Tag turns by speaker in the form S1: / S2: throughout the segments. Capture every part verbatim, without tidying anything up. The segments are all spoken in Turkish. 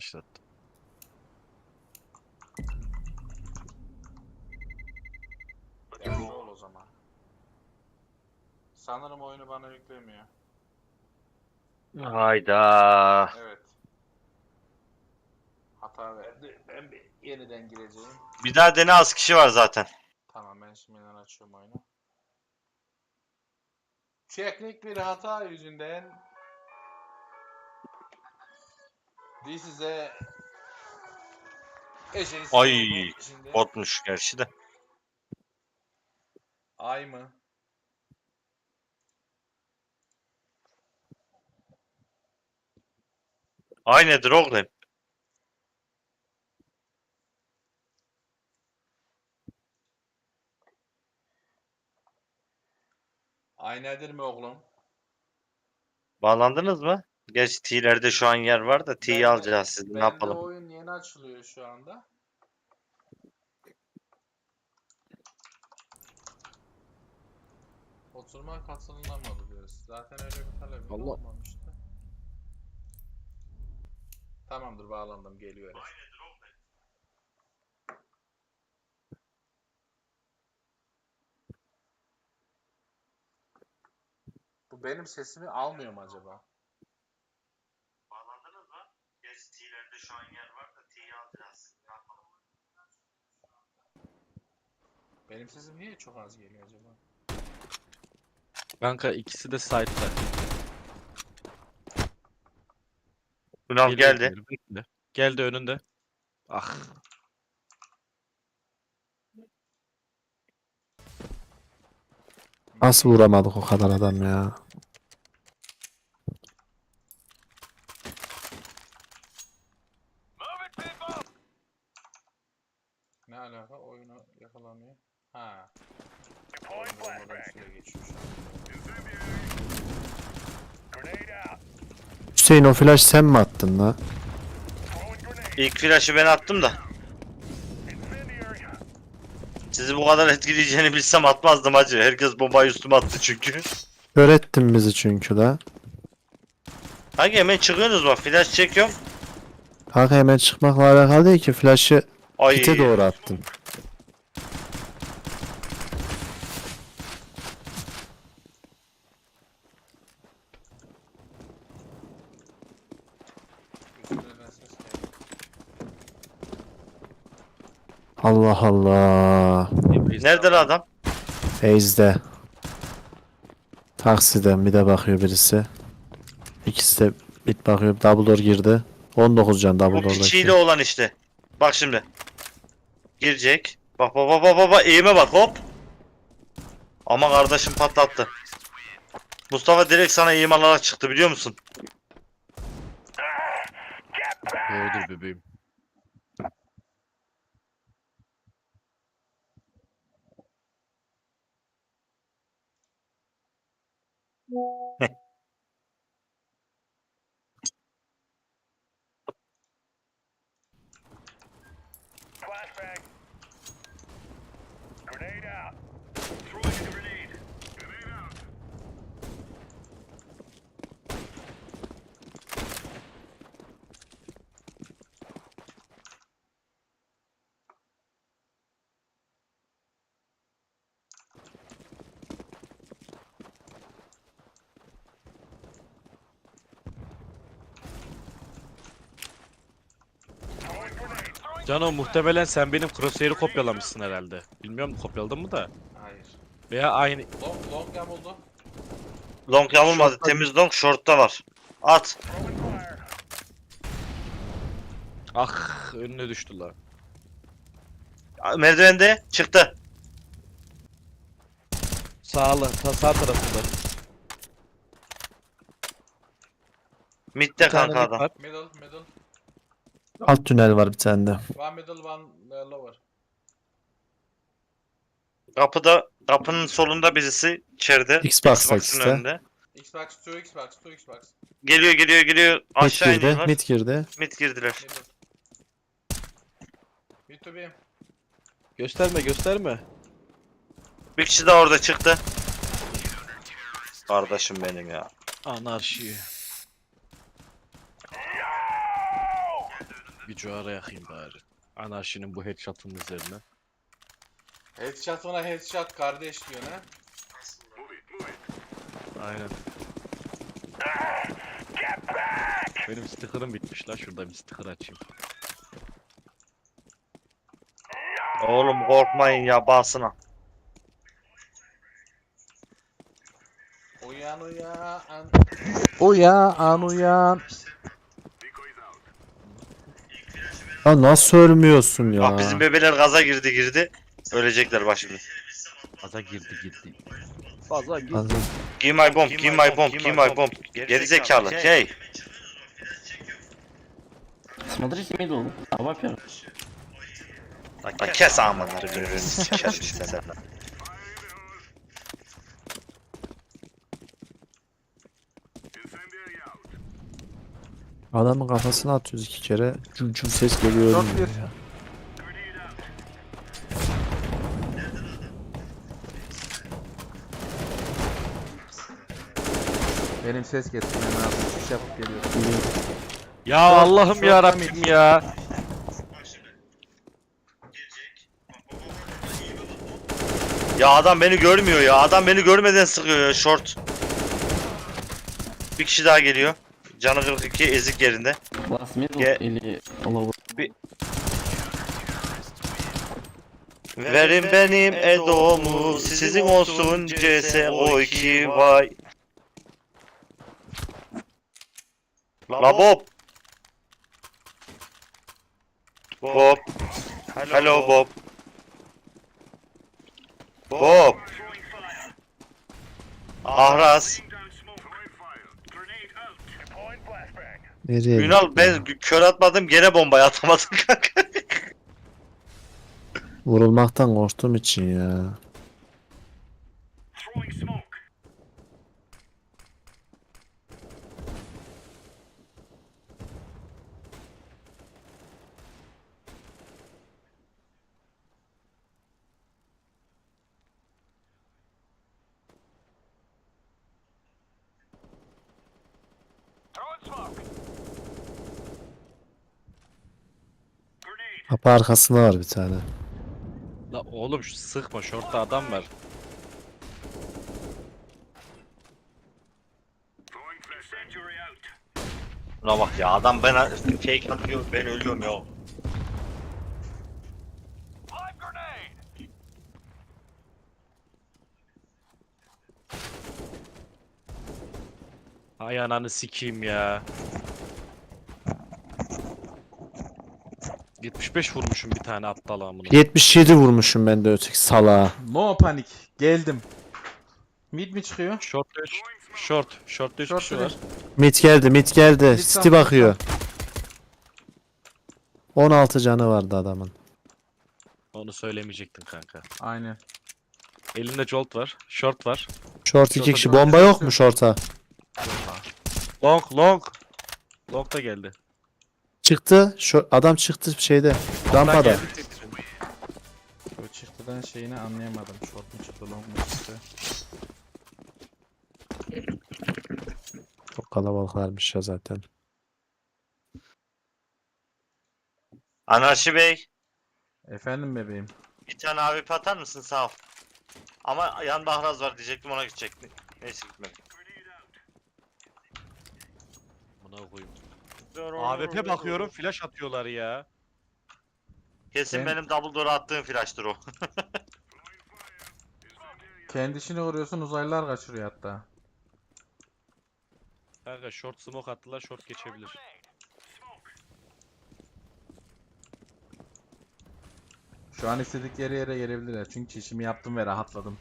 S1: Başlattım.
S2: Yaşlı ol o zaman. Sanırım oyunu bana yüklemiyor.
S3: Hayda.
S2: Evet. Hata verdi. Ben bir yeniden gireceğim.
S3: Bir daha dene, az kişi var zaten.
S2: Tamam, ben şimdiden açıyorum oyunu. Teknik bir hata yüzünden This is a Ece'si
S3: Ay,
S2: oldu şimdi.
S3: botmuş gerçi de.
S2: Ay mı?
S3: Ay nedir oğlum?
S2: Ay nedir mi oğlum?
S3: Bağlandınız mı? Gerçi T'lerde şu an yer var da T'yi
S2: Bende,
S3: alacağız siz. Ne
S2: bende
S3: yapalım?
S2: oyun yeni açılıyor şu anda. Oturma katılınamadı diyoruz. Zaten öyle bir talep
S1: Allah.
S2: olmamıştı. Tamamdır, bağlandım, geliyor. Bu benim sesimi almıyor mu acaba?
S3: Bağlandınız mı? Gerçi T'lerde şu an yer var da T'yi alacağız. Ne yapalım?
S2: Benim sesim niye çok az geliyor acaba?
S1: Kanka ikisi de site'da.
S3: Ünal
S1: Geliyor
S3: geldi.
S1: diğeri, bekle. Geldi önünde. Ah.
S4: Nasıl vuramadık o kadar adam ya?
S2: Ne alaka? Oyunu yakalamıyor. Ha. Oyun olmadan süre geçiyor şu an.
S4: Hüseyin, o flash sen mi attın la?
S3: İlk flash'ı ben attım da. Sizi bu kadar etkileyeceğini bilsem atmazdım hacı. Herkes bombayı üstüme attı çünkü.
S4: Kör ettin bizi çünkü la.
S3: Hangi hemen çıkıyorsunuz bak. Flash çekiyorum.
S4: Kanka hemen çıkmakla alakalı değil ki, flash'ı
S3: Ay.
S4: pite doğru attın.
S2: Üstüne ses geldi.
S4: Allah Allah.
S3: Nerede lan adam?
S4: Feyz'de. Taksiden bir de bakıyor birisi. İkisi de bit bakıyor. Double door girdi. on dokuz can double
S3: Bu piçiyle
S4: door'daki.
S3: olan işte. Bak şimdi. Girecek. Bak bak bak bak bak bak. Eğime bak hop. Ama kardeşim patlattı. Mustafa direkt sana eğim alarak çıktı biliyor musun?
S1: Doğrudur bebeğim. Cano, muhtemelen sen benim crosshair'ı kopyalamışsın herhalde. Bilmiyorum kopyaladın mı da.
S2: Hayır.
S1: Veya aynı.
S2: Long, long yamuldu.
S3: Long yamulmadı. Temiz long short'ta var. At.
S1: Ah, önüne düştü la.
S3: Merdivende çıktı.
S1: Sağla, ta sağ tarafında.
S3: Mid'de
S1: Bir tane
S3: kanka
S1: mid
S3: adam.
S1: var.
S2: Middle, middle.
S4: Alt tünel var bir tane de.
S2: One middle, one uh, lower.
S3: Kapıda, kapının solunda birisi içeride.
S4: Xbox'ta
S3: Xbox'ın
S4: ikisi de.
S3: önünde.
S2: Xbox, two Xbox, two Xbox.
S3: Geliyor geliyor geliyor.
S4: Mid
S3: Aşağı
S4: girdi.
S3: iniyorlar.
S4: Mid girdi.
S3: Mid girdiler.
S2: Middle. Mid to B.
S1: Gösterme, gösterme.
S3: Bir kişi daha orada çıktı. Kardeşim benim ya.
S1: Anarşi. Bir cuara yakayım bari. Anarşinin bu headshot'ın üzerine.
S2: Headshot'ına headshot kardeş diyor ne?
S1: Aynen. Benim sticker'ım bitmiş la. Şurada bir sticker açayım.
S3: Oğlum korkmayın ya basına.
S2: Uyan uyan.
S5: Uyan uyan.
S4: Ya nasıl ölmüyorsun ya?
S3: Bak bizim bebeler gaza girdi girdi. Ölecekler bak şimdi.
S1: Fazla girdi girdi. Fazla girdi.
S4: Fazla.
S3: Give my bomb, give my bomb, give my bomb. Geri zekalı. Şey.
S6: Смотрите мидл, а во-первых.
S3: Lan kes amanları birbirini sikerim işte sen.
S4: Adamın kafasına atıyoruz iki kere. Cum cum ses geliyor.
S5: Dört
S4: ölmüyor
S5: bir.
S4: ya.
S5: Benim ses getirmem lazım. Şiş yapıp geliyorum.
S1: Ya Allah'ım
S5: short
S1: ya Rabbim ya.
S3: Ya adam beni görmüyor ya. Adam beni görmeden sıkıyor ya short. Bir kişi daha geliyor. Canı kırk iki ezik yerinde.
S6: Last middle
S3: Ge-
S6: или lower.
S3: Verin benim Edo'mu, sizin olsun C S O iki vay. La Bob. Bob. Hello Bob. Bob. Ahraz.
S4: Nereye?
S3: Ünal ben kör atmadım gene bombayı atamadım kanka.
S4: Vurulmaktan korktuğum için ya. Kapı arkasında var bir tane.
S1: La oğlum şu sıkma, şortta adam var.
S3: Buna bak ya adam ben fake atıyor ben ölüyorum ya.
S1: Ay ananı sikeyim ya. yetmiş beş vurmuşum bir tane aptal amına.
S4: yetmiş yedi vurmuşum ben de öteki salağa.
S5: No panik. Geldim. Mid mi çıkıyor?
S1: Short üç. Short. Short'ta üç
S5: Short
S1: kişi
S5: biri.
S1: var.
S4: Mid geldi, mid geldi.
S5: Mid
S4: City
S5: tam, mid
S4: bakıyor. on altı canı vardı adamın.
S1: Onu söylemeyecektin kanka.
S5: Aynen.
S1: Elinde jolt var. Short var.
S4: Short iki
S1: Short'a
S4: kişi.
S5: dön,
S4: Bomba
S5: dön,
S4: yok
S5: dön.
S4: mu short'a?
S1: Long long. Long da geldi.
S4: Çıktı. Şu adam çıktı şeyde. Rampada.
S1: Geldi.
S5: O çıktıdan şeyini anlayamadım. Short mu çıktı, long mu çıktı?
S4: Çok kalabalıklarmış ya zaten.
S3: Anarşi Bey
S5: Efendim bebeğim.
S3: bir tane abi atar mısın sağ ol. Ama yanında Ahraz var diyecektim ona gidecektim. Neyse gitmedi.
S1: Buna koyayım. A W P bakıyorum flash atıyorlar ya.
S3: Kesin
S5: Ben-
S3: benim double door'a attığım flash'tır o.
S5: Kendisini vuruyorsun, uzaylılar kaçırıyor hatta.
S1: Kanka short smoke attılar, short geçebilir.
S5: Şu an istedikleri yere gelebilirler. Çünkü işimi yaptım ve rahatladım.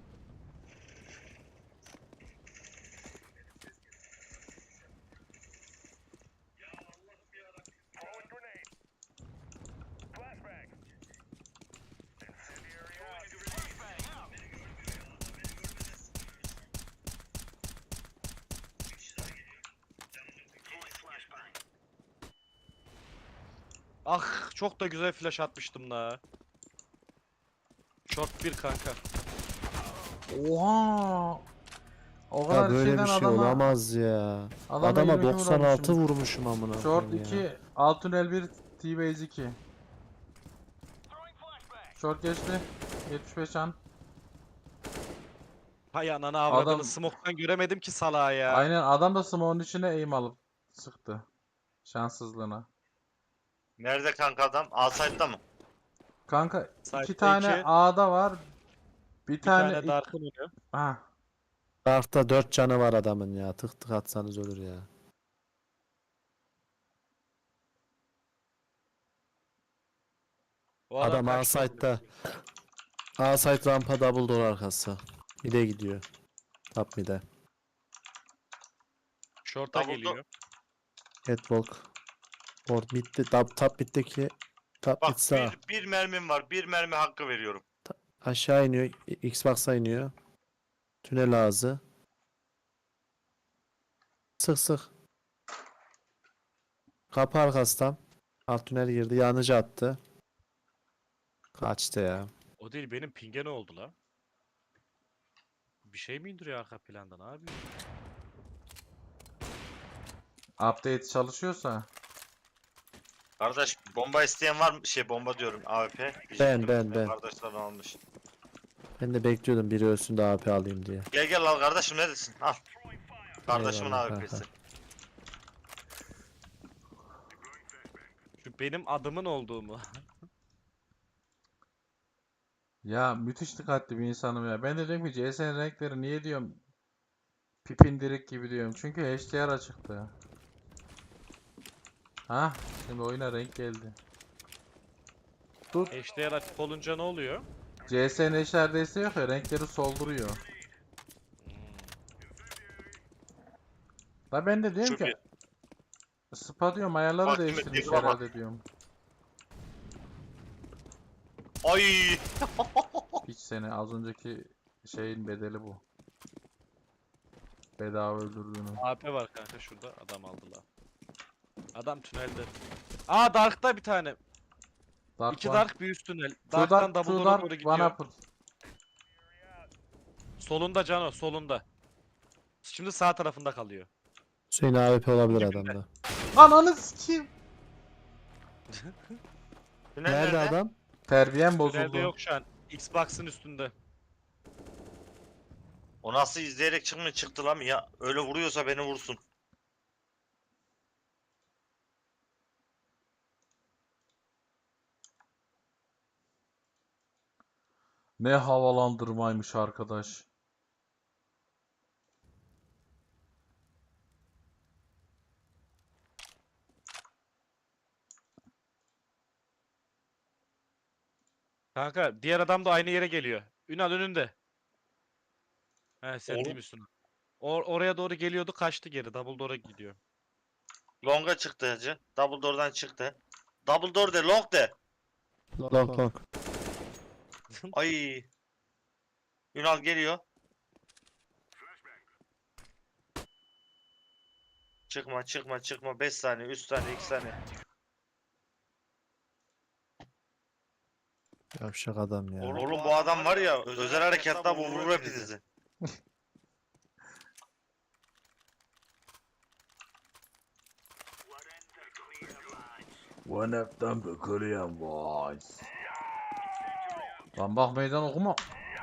S1: Ah çok da güzel flash atmıştım la. Short bir kanka.
S5: Oha! O kadar
S4: Ya böyle
S5: şeyden
S4: bir şey
S5: adama,
S4: olamaz ya.
S5: adama
S4: Adama
S5: yirmi iki
S4: doksan altı
S5: vurmuşum.
S4: vurmuşum amına
S5: Short
S4: koyayım ya.
S5: iki, alt tünel bir, T-Base iki. Short geçti. yetmiş beş an.
S1: Hay ananı avradını
S5: Adam-
S1: smoke'tan göremedim ki salağı ya.
S5: Aynen adam da smoke'un içine aim alıp sıktı. Şanssızlığına.
S3: Nerede kanka adam? A-Side'da mı?
S5: Kanka
S1: Side'da
S5: iki tane
S1: iki,
S5: A'da var. Bir,
S1: Bir
S5: tane,
S1: tane
S5: ik-
S1: Dark'ın önü.
S5: Ha.
S4: Dark'ta dört canı var adamın ya. Tık tık atsanız ölür ya.
S1: O
S4: Adam
S1: kaçtı
S4: A-Side'da.
S1: oğlum.
S4: A-Side rampa double door arkası. Mid'e gidiyor. Top mid'e.
S1: Short'a
S3: Double
S1: geliyor.
S4: Catwalk. Or mid'de. Top, top mid'deki. Top
S3: Bak
S4: mid sağ.
S3: bir, bir mermim var. Bir mermi hakkı veriyorum.
S4: Aşağı iniyor. Xbox'a iniyor. Tünel ağzı. Sık sık. Kapı arkası tam. Alt tünel girdi. Yanıcı attı. Kaçtı ya.
S1: O değil benim ping'e ne oldu la? Bir şey mi indiriyor arka planda ne yapıyor?
S5: Update çalışıyorsa.
S3: Kardeş bomba isteyen var mı? Şey bomba diyorum A W P.
S4: Ben, ben, ben.
S3: Kardeşler almış.
S4: Ben de bekliyordum biri ölsün de A P alayım diye.
S3: Gel gel al kardeşim neredesin? Al. Kardeşimin
S4: Eyvallah
S3: A W P'si.
S4: kanka.
S1: Şu benim adımın olduğu mu?
S5: Ya müthiş dikkatli bir insanım ya. Ben de diyorum ki C S'nin renkleri niye diyorum pipindirik gibi diyorum. Çünkü H D R açıktı. Ha, şimdi oyuna renk geldi. Tut.
S1: H D R açık olunca ne oluyor?
S5: C S'nin H D R desteği yok ya, renkleri solduruyor.
S1: Hmm.
S5: Da ben de diyorum
S3: Çok
S5: ki Spa diyorum ayarları
S3: Bak,
S5: değiştirmiş
S3: Mehmet, bak.
S5: herhalde diyorum.
S3: Ay.
S5: Hiç seni az önceki şeyin bedeli bu. Bedava öldürdüğünü.
S1: A P var kanka şurada adam aldılar. Adam tünelde. Aa Dark'ta bir tane.
S5: Dark
S1: İki
S5: one.
S1: Dark bir üst tünel.
S5: Two
S1: Dark'tan
S5: dark,
S1: double
S5: two
S1: door'a
S5: dark,
S1: doğru
S5: one
S1: gidiyor.
S5: upper.
S1: Solunda Cano solunda. Şimdi sağ tarafında kalıyor.
S4: Hüseyin A W P olabilir
S1: Dibinde.
S4: adamda.
S5: Ananı sikeyim.
S3: Tünel
S4: Nerede adam?
S5: Terbiyem
S1: Tünelde
S5: bozuldu.
S1: yok şu an. Xbox'ın üstünde.
S3: O nasıl izleyerek çıkmıyor çıktı lan ya. Öyle vuruyorsa beni vursun.
S5: Ne havalandırmaymış arkadaş.
S1: Kanka diğer adam da aynı yere geliyor. Ünal önünde. He sen
S3: Oğlum.
S1: değil misin? Or oraya doğru geliyordu kaçtı geri. Double door'a gidiyor.
S3: Long'a çıktı hacı. Double door'dan çıktı. Double door de long de.
S4: Long long.
S3: Ay. Ünal geliyor. Çıkma çıkma çıkma. beş saniye, üç saniye, iki saniye.
S4: Yavşak adam ya.
S3: Oğlum bu adam var ya özel harekatla bu vurur hepinizi.
S5: One of them the Korean boys. Lan bak meydan okuma.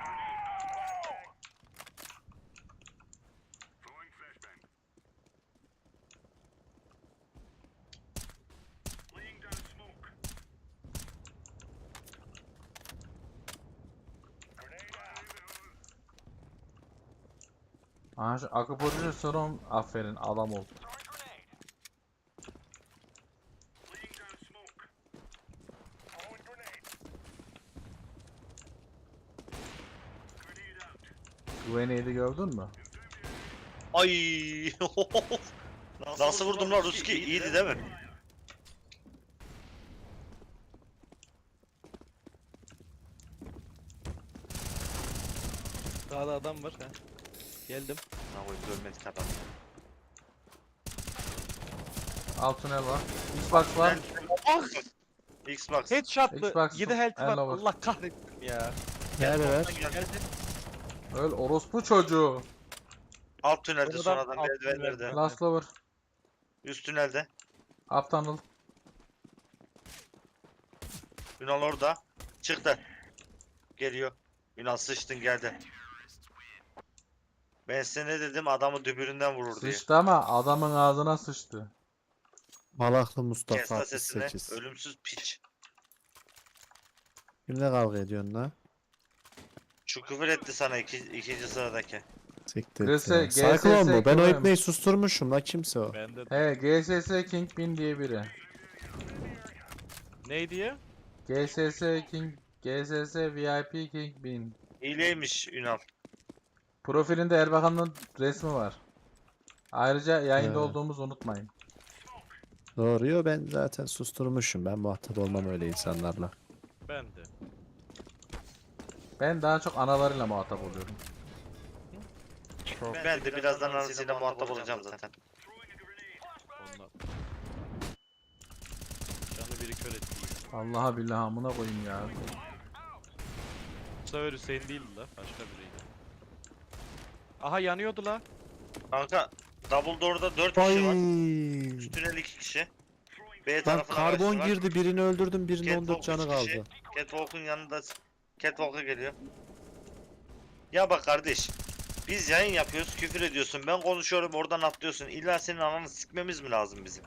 S5: Aha şu akupunktur sorun, aferin adam ol. Güveneydi gördün mü?
S3: Ay. Nasıl vurdum lan Ruski? İyiydi değil mi?
S1: Sağda adam var. He. Geldim.
S3: Ne koyayım görmedik adam.
S5: Alt tünel var. Xbox var.
S3: Xbox.
S1: Headshot'lı.
S5: Xbox
S1: yedi health var.
S5: el over.
S1: Allah kahretsin ya.
S4: Nerede ver?
S1: Geldi.
S5: Öl orospu çocuğu.
S3: Alt tünelde
S1: Sonradan
S3: sonradan
S1: alt
S3: merdivenlerde.
S1: tünelde.
S5: Last lover.
S3: Üst tünelde.
S5: Up tunnel.
S3: Ünal orada. Çıktı. Geliyor. Ünal sıçtın geldi. Ben size ne dedim adamı dübüründen vurur diye.
S5: Sıçtı ama adamın ağzına sıçtı.
S4: Malaklı Mustafa
S3: Kes la sesini.
S4: altmış sekiz.
S3: Ölümsüz piç.
S4: Kimle kavga ediyorsun la?
S3: Şu küfür etti sana iki, ikinci sıradaki.
S4: Siktir
S5: G
S4: et
S5: S-
S4: ya.
S5: G S S
S4: Cyclone bu. Ben o
S5: Kıvım.
S4: ipneyi susturmuşum la, kimse o.
S1: Ben de
S5: He G S S Kingpin diye biri.
S1: neydi ya?
S5: G S S King G S S V I P Kingpin.
S3: İyileymiş Ünal.
S5: Profilinde Erbakan'ın resmi var. Ayrıca yayında
S4: He.
S5: olduğumuzu unutmayın.
S4: Doğru, yo ben zaten susturmuşum. Ben muhatap olmam öyle insanlarla.
S1: Ben de.
S5: Ben daha çok analarıyla muhatap oluyorum.
S3: Ben de birazdan anasıyla muhatap olacağım zaten.
S1: Ondan. Canı biri kör etti.
S5: Allah'a billahi amına koyayım ya.
S1: Bu sefer Hüseyin değildi la. Başka biriydi. Aha yanıyordu la.
S3: Kanka Double Door'da dört kişi var. Tünel iki kişi. B
S4: Lan
S3: tarafına
S4: karbon
S3: kaçtılar.
S4: girdi, birini öldürdüm, birinin on dört
S3: Catwalk
S4: canı
S3: üç kişi.
S4: kaldı.
S3: Catwalk'un yanında Catwalk'a geliyor. Ya bak kardeş. Biz yayın yapıyoruz, küfür ediyorsun. Ben konuşuyorum, oradan atlıyorsun. İlla senin ananı sikmemiz mi lazım bizim?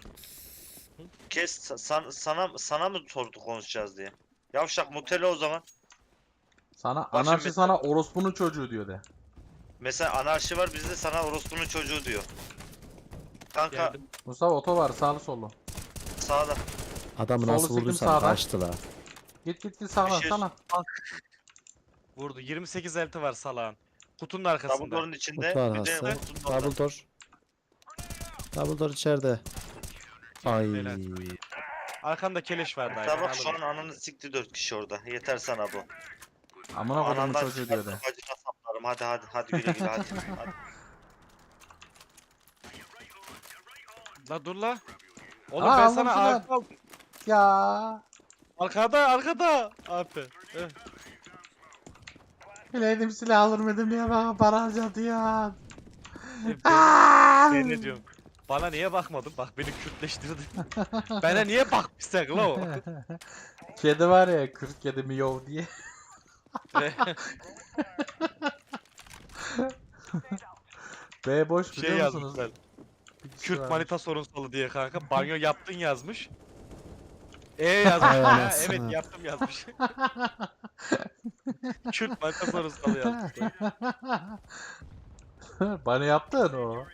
S3: Kes san- sana sana mı sordu konuşacağız diye. Yavşak mutele o zaman.
S5: Sana
S3: Başım
S5: anarşi
S3: bitti.
S5: sana orospunun çocuğu diyor de.
S3: Mesela anarşi var bizde sana orospunun çocuğu diyor. Kanka
S1: Geldim.
S5: Mustafa oto var sağlı sollu.
S3: sağda.
S4: Adamı
S5: Solu
S4: nasıl
S5: siktim
S4: vurduysan
S5: sağdan.
S4: kaçtı la.
S5: Git git git sağla
S3: şey-
S5: sağla.
S1: Vurdu. yirmi sekiz elti var salağın. Kutunun
S3: Double
S1: arkasında.
S3: Door'un içinde.
S4: Kutu
S3: Bir de
S4: arkası.
S3: kutunun orada.
S4: Double door. Double door içeride. Ay.
S1: Helal. Arkanda keleş vardı.
S3: Hatta
S1: aynen,
S3: bak şu an
S1: alırım.
S3: ananı sikti dört kişi orada. Yeter sana bu.
S5: Amına kodumun
S3: Anandan
S5: çocuğu diyor de.
S3: çıkartıp acına saplarım. Hadi hadi hadi güle güle hadi. hadi.
S1: La dur la. Oğlum
S5: Aa,
S1: ben
S5: aldım
S1: sana
S5: şunu.
S1: arka aldım.
S5: Ya.
S1: Arkada arkada. Abi. Eh.
S5: Bileydim silah alır mıydım diye bana para harcadı ya.
S1: Ben,
S5: Aa!
S1: ben ne diyorum? Bana niye bakmadın? Bak beni Kürtleştirdin. Bana niye bakmışsın la o?
S5: Kedi var ya kırk kedi miyav diye. B boş
S1: şey
S5: biliyor musunuz?
S1: yazmışlar.
S5: Bir kişi
S1: Kürt
S5: varmış.
S1: manita sorunsalı diye kanka. Banyo yaptın yazmış. E yazmış.
S4: Ay
S1: Ha,
S4: anasını.
S1: evet yaptım yazmış. Kürt manita sorunsalı yazmış.
S5: Bana yaptın o.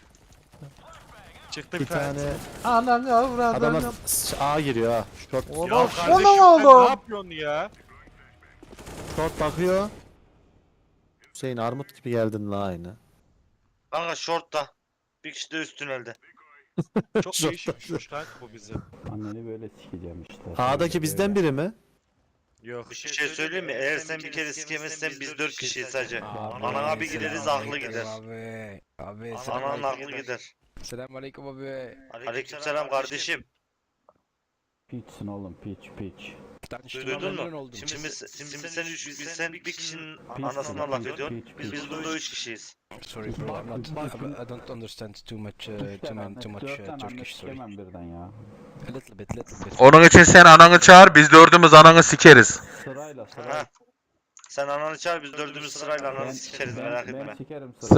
S1: Çıktı
S4: Bir
S1: bir tane.
S4: tane
S5: Anam ya buradan
S4: adamlar
S5: ya.
S4: s- A giriyor ha. Short,
S5: Oğlum
S1: Ya kardeşim
S5: onu
S1: sen
S5: oldu.
S1: ne yapıyorsun ya?
S4: short bakıyor. Hüseyin armut gibi geldin la aynı.
S3: Kanka short'ta. Bir kişi de üst tünelde.
S1: Çok
S4: Çok
S1: değişikmiş kanka bu bizi.
S6: Anneni böyle sikeceğim işte.
S4: A'daki bizden biri mi?
S1: Yok.
S3: Bir şey söyleyeyim mi? Eğer sen bir kere sikemezsen biz dört kişiyiz sadece. Anan abi gideriz aklı gider.
S7: Abi. Abi.
S3: Ananın aklı gider.
S7: Selamünaleyküm abi.
S3: Aleykümselam kardeşim.
S6: Piçsin oğlum, piç piç.
S7: Tanıştığıma
S3: Duydun
S7: memnun
S3: mu?
S7: oldum.
S3: Şimdi, şimdi sen üç, biz sen bir kişinin
S6: Piç,
S3: anasına laf
S6: piç,
S3: ediyorsun.
S6: piç, piç.
S3: Biz burada üç kişiyiz.
S7: Sorry bro, I'm not, I don't understand too much, uh, too, man, too much uh, Turkish, sorry.
S6: Sikemem birden ya.
S7: A little bit, little bit.
S8: Onun için sen ananı çağır, biz dördümüz ananı sikeriz.
S6: Sırayla sırayla.
S3: Ha. Sen ananı çağır biz dördümüz sırayla
S6: Ben-
S3: ananı sikeriz
S6: ben-
S3: merak
S6: Ben
S3: etme.
S6: sikerim
S5: Sıra-
S6: sırayla.